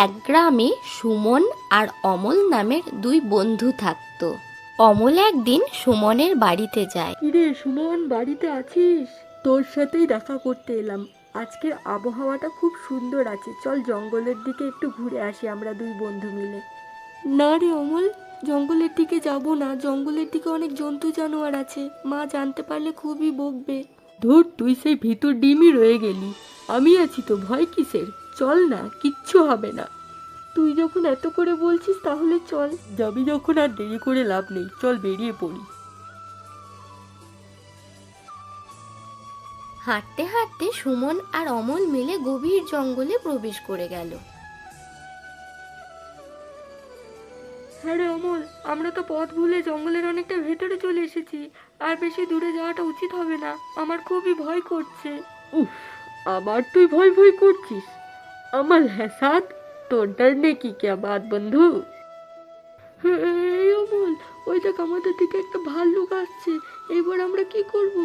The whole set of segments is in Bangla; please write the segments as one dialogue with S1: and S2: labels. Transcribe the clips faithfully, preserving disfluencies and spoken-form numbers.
S1: এক গ্রামে সুমন আর অমল নামের দুই বন্ধু থাকতো। অমল একদিন সুমনের বাড়িতে যায়।
S2: কিরে সুমন, বাড়িতে আছিস? তোর সাথেই দেখা করতে এলাম। আজকের আবহাওয়াটা খুব সুন্দর আছে, চল জঙ্গলের দিকে একটু ঘুরে আসি আমরা দুই বন্ধু মিলে। না রে অমল, জঙ্গলের দিকে যাব না। জঙ্গলের দিকে অনেক জন্তু জানোয়ার আছে, মা জানতে পারলে খুবই বকবে। ধুর, তুই সেই ভিতর ডিমই রয়ে গেলি। আমি আছি তো, ভয় কিসের? চল না, কিচ্ছু হবে না। তুই যখন এত করে বলছিস তাহলে চল। যাবি যখন আর দেরি করে লাভ নেই, চল বেরিয়ে পড়ি।
S1: হাঁটতে হাঁটতে সুমন আর অমল মিলে গভীর জঙ্গলে প্রবেশ করে গেল।
S2: হ্যাঁ রে অমল, আমরা তো পথ ভুলে জঙ্গলের অনেকটা ভেতরে চলে এসেছি। আর বেশি দূরে যাওয়াটা উচিত হবে না, আমার খুবই ভয় করছে। উফ, আবার তুই ভয় ভয় করছিস? আমার হ্যাসাত, তোর ডরনে কি क्या बात বন্ধু? এই অমল, ওই দেখ আমাদের দিকে একটা ভাল্লুক আসছে। এবার আমরা কি করব?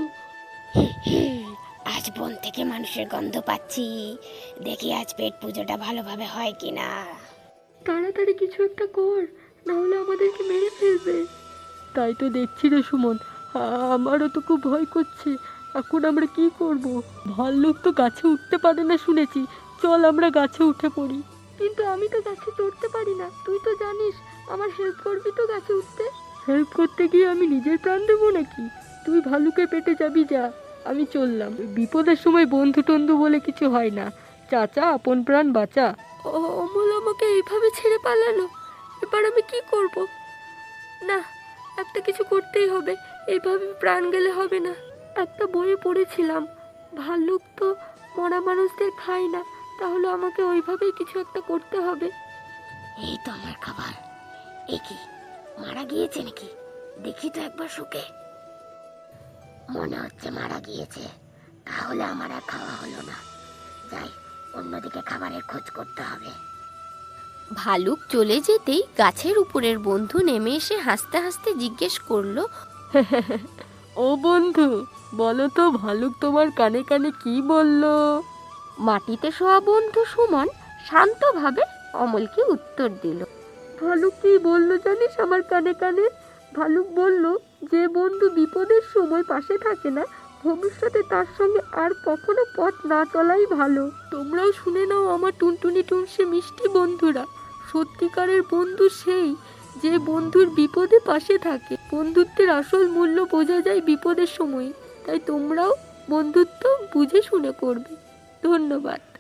S3: আজ বন থেকে মানুষের গন্ধ পাচ্ছি, দেখি আজ পেট পুজোটা ভালোভাবে হয় কিনা।
S2: তাড়াতাড়ি কিছু একটা কর, না হলে আমাদেরকে মেরে ফেলবে। তাই তো দেখছি রে সুমন, আমারও তো খুব ভয় করছে। এখন আমরা কি করব? ভাল্লুক তো গাছে উঠতে পারে না শুনেছি। চল আমরা গাছে উঠে পড়ি। কিন্তু আমি তো গাছে চড়তে পারি না, তুই তো জানিস। আমার হেল্প করবি তো গাছে উঠতে? হেল্প করতে গিয়ে আমি নিজের প্রাণ দেবো নাকি? তুই ভালুকে পেটে যাবি, যা, আমি চললাম। বিপদের সময় বন্ধু টন্ধু বলে কিছু হয় না। চাচা, আপন প্রাণ বাঁচা। অমল আমাকে এইভাবে ছেড়ে পালালো, এবার আমি কি করব? না, একটা কিছু করতেই হবে, এইভাবে প্রাণ গেলে হবে না। একটা বইয়ে পড়েছিলাম, ভাল্লুক তো মরা মানুষদের খায় না, তাহলে আমাকে ওইভাবেই কিছু একটা করতে হবে।
S3: এই তো আমার খাবার। এ কি, মারা গিয়েছে নাকি? দেখি তো একবার শুকে। মনে হচ্ছে মারা গিয়েছে, তাহলে আমার আর খাওয়া হলো না। যাই, অন্যদিকে খাবারের খোঁজ করতে হবে।
S1: ভালুক চলে যেতেই গাছের উপরের বন্ধু নেমে এসে হাসতে হাসতে জিজ্ঞেস করলো,
S2: ও বন্ধু, বলো তো ভালুক তোমার কানে কানে কি বললো?
S1: মাটিতে শোয়া বন্ধু সুমন শান্তভাবে অমলকে উত্তর দিল।
S2: ভালুক কি বললো জানিস আমার কানে কানে? ভালুক বলল, যে বন্ধু বিপদের সময় পাশে থাকে না, ভবিষ্যতে তার সঙ্গে আর কখনো পথ না চলাই ভালো। তোমরাও শুনে নাও আমার টুনটুনি টুনসে মিষ্টি বন্ধুরা, সত্যিকারের বন্ধু সেই যে বন্ধুর বিপদে পাশে থাকে। বন্ধুত্বের আসল মূল্য বোঝা যায় বিপদের সময়। তাই তোমরাও বন্ধুত্ব বুঝে শুনে করবে। ধন্যবাদ।